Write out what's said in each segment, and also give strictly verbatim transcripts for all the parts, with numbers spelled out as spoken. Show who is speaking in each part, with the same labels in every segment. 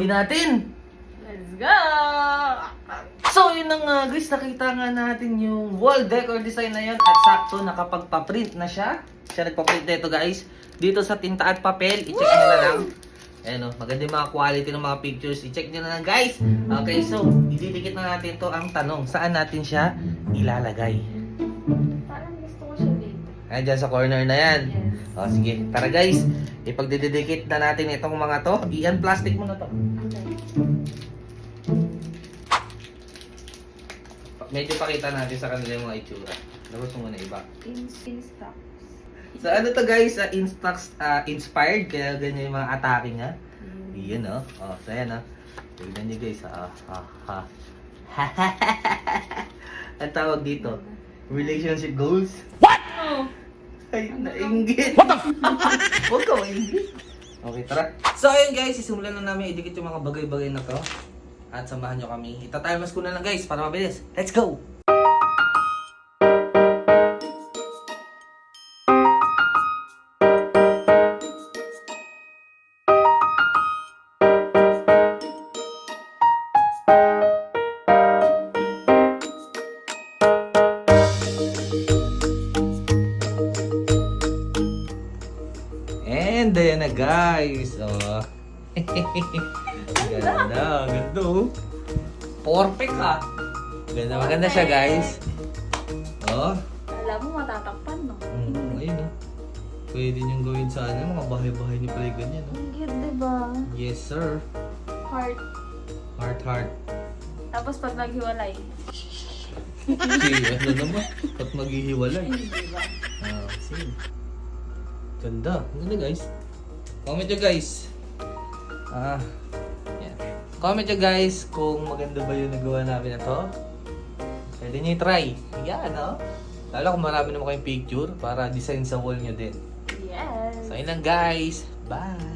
Speaker 1: natin.
Speaker 2: Let's go!
Speaker 1: So yun na nga guys, nakita nga natin yung wall decor design na yun at sakto nakapagpa-print na siya. Siya nagpa-print na ito guys. Dito sa tinta at papel, i-check nyo na lang. Ayan o, maganda yung mga quality ng mga pictures. I-check nyo na lang guys. Okay, so ididikit na natin to. Ang tanong, saan natin siya ilalagay?
Speaker 2: Parang gusto ko siya dito.
Speaker 1: Ayan, dyan sa corner na yan.
Speaker 2: Yes.
Speaker 1: O sige, tara guys. Ipagdidikit na natin itong mga to. Iyan, plastic mo na to.
Speaker 2: Okay.
Speaker 1: Medyo pakita natin sa kanila yung mga itsura. Labas mo muna iba.
Speaker 2: In, in stock.
Speaker 1: So ano to guys, uh, Instax uh, inspired, kaya ganyan yung mga atake nga.
Speaker 2: Mm.
Speaker 1: Iyan o. Oh. Oh, so ayan o. Oh. Tignan nyo guys. Ah, ha, ha. Ang tawag dito, relationship goals.
Speaker 2: What? Oh.
Speaker 1: Ay, nainggit. What the f***? Huwag ka maingit. Okay, tara. So ayun guys, sisimulan na namin idikit yung mga bagay-bagay na to. At samahan nyo kami. Itatalmas ko na lang guys, para mabilis. Let's go! And ayan na guys. Oh. Ganda, ganda oh. Perfect ah. Ganda, maganda siya guys. Oh.
Speaker 2: Alam mo, matatakpan, no?
Speaker 1: Mm, ayun oh. Pwede niyong gawin sa ano, mga bahay-bahay niyo pala yung ganyan oh.
Speaker 2: Ang cute, diba?
Speaker 1: Yes sir.
Speaker 2: Heart.
Speaker 1: Heart, heart.
Speaker 2: Tapos pag naghiwalay.
Speaker 1: Si ano naman, ba't maghihiwalay?
Speaker 2: Diba?
Speaker 1: Ah, sige. Ganda. Ganda guys. Comment nyo guys. Ah, yan. Comment nyo guys kung maganda ba yung nagawa namin na to. Pwede nyo i-try. Yan, no? Lalo kung marami naman kayong picture para design sa wall nyo din.
Speaker 2: Yes.
Speaker 1: So, yun lang guys. Bye!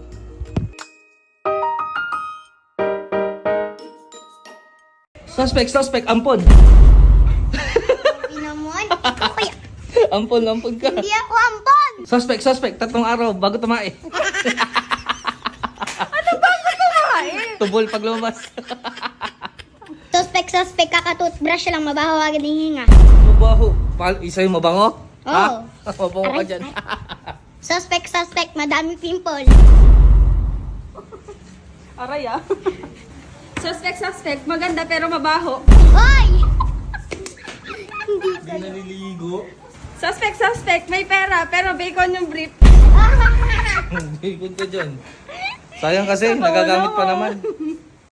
Speaker 1: Suspect, suspect, ampon!
Speaker 3: Pinamon? Kuya,
Speaker 1: Ampon, ampon ka.
Speaker 3: hindi ako ampon!
Speaker 1: Suspect, suspect, tatlong araw bago tumae.
Speaker 2: Kumain!
Speaker 1: Tubol pag lumabas.
Speaker 3: Suspect, suspect, kakatoothbrush lang, mabaho agad yung hinga.
Speaker 1: Mabaho. Pa- isa yung mabango?
Speaker 3: Oo.
Speaker 1: Ha? Mabango ka
Speaker 3: Aray,
Speaker 1: dyan.
Speaker 3: Suspect, suspect, madami pimple.
Speaker 2: Aray ah. Suspect, suspect. Maganda pero mabaho.
Speaker 3: Hoy!
Speaker 1: Hindi naliligo.
Speaker 2: Suspect, suspect. May pera pero bacon yung brief.
Speaker 1: Bigod ka dyan. Sayang kasi, nagagamit pa naman.